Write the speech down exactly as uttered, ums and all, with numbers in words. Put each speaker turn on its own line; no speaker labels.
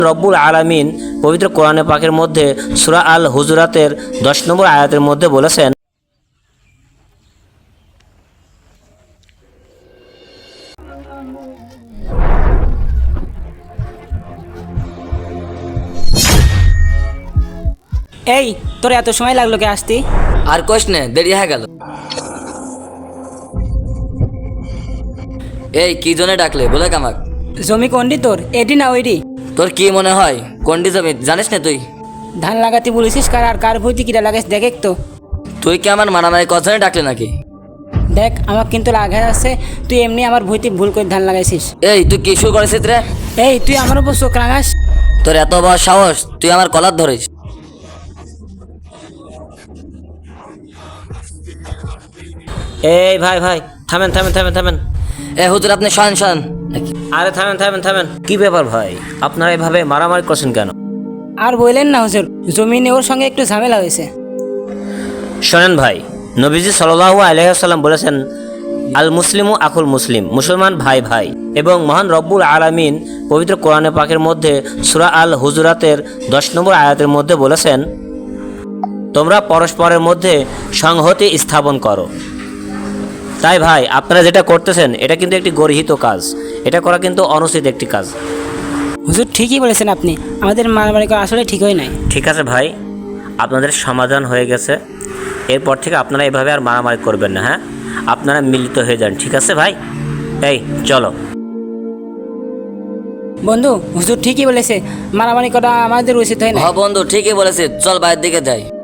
রব্বুল আলামিন পবিত্র কোরআনে পাকের মধ্যে সূরা আল হুজুরাতের দশ নম্বর আয়াতের মধ্যে বলেছেন,
এই তোর এত সময় লাগলো কে আসতি?
আর কোশ নে, দেরি হয়ে গেল। এই কি জন্য ডাকলে বলে কামাক?
জমি কোনটি তোর, এটি না ওইটি?
তোর কি মনে হয় কোনটি জমি জানিস না তুই?
ধান লাগাতে বলেছিস কার, আর কার ভুইতে কিরা লাগাইস দেখ তো।
তুই কি আমার মারামারি কথা ডাকলে নাকি?
দেখ আমার কিন্তু লাগা আছে, তুই এমনি আমার ভুইতে ভুল করে ধান লাগাইছিস।
এই তুই কি শুরু করেছিস রে?
এই তুই আমার উপর চোখ রাঙাস?
তোর এত বড় সাহস, তুই আমার কলার ধরিস?
এই ভাই ভাই থামেন থামেন থামেন থামেন
এ হুজুর আপনি শোন শোন।
আরে থামেন থামেন থামেন কি ব্যাপার ভাই, আপনারা এভাবে মারামারি করছেন কেন?
আর বললেন না হুজুর, জমিনে ওর সঙ্গে একটু ঝামেলা হয়েছে।
শোনেন ভাই, নবীজি সাল্লাল্লাহু আলাইহি ওয়াসাল্লাম বলেছেন, আল মুসলিমু আকুল মুসলিম, মুসলমান ভাই ভাই। এবং মহান রব্বুল আলামিন পবিত্র কোরআনে পাকের মধ্যে সূরা আল হুজুরাতের দশ নম্বর আয়াতের মধ্যে বলেছেন, তোমরা পরস্পরের মধ্যে সংহতি স্থাপন করো। তাই ভাই আপনারা যেটা করতেছেন এটা কিন্তু একটি গর্হিত কাজ, এটা করা কিন্তু অনুচিত একটি কাজ।
হুজুর ঠিকই বলেছেন আপনি, আমাদের মারামারি করা আসলে ঠিক হয় নাই।
ঠিক আছে ভাই, আপনাদের সমাধান হয়ে গেছে, এরপর থেকে আপনারা এভাবে আর মারামারি করবেন না। হ্যাঁ, আপনারা মিলিত হয়ে যান, ঠিক আছে ভাই? এই চলো।
বন্ধু হুজুর ঠিকই বলেছে, মারামারি করা আমাদের উচিত হয় না।
হ বন্ধু ঠিকই বলেছিস, চল বাইরের দিকে যাই।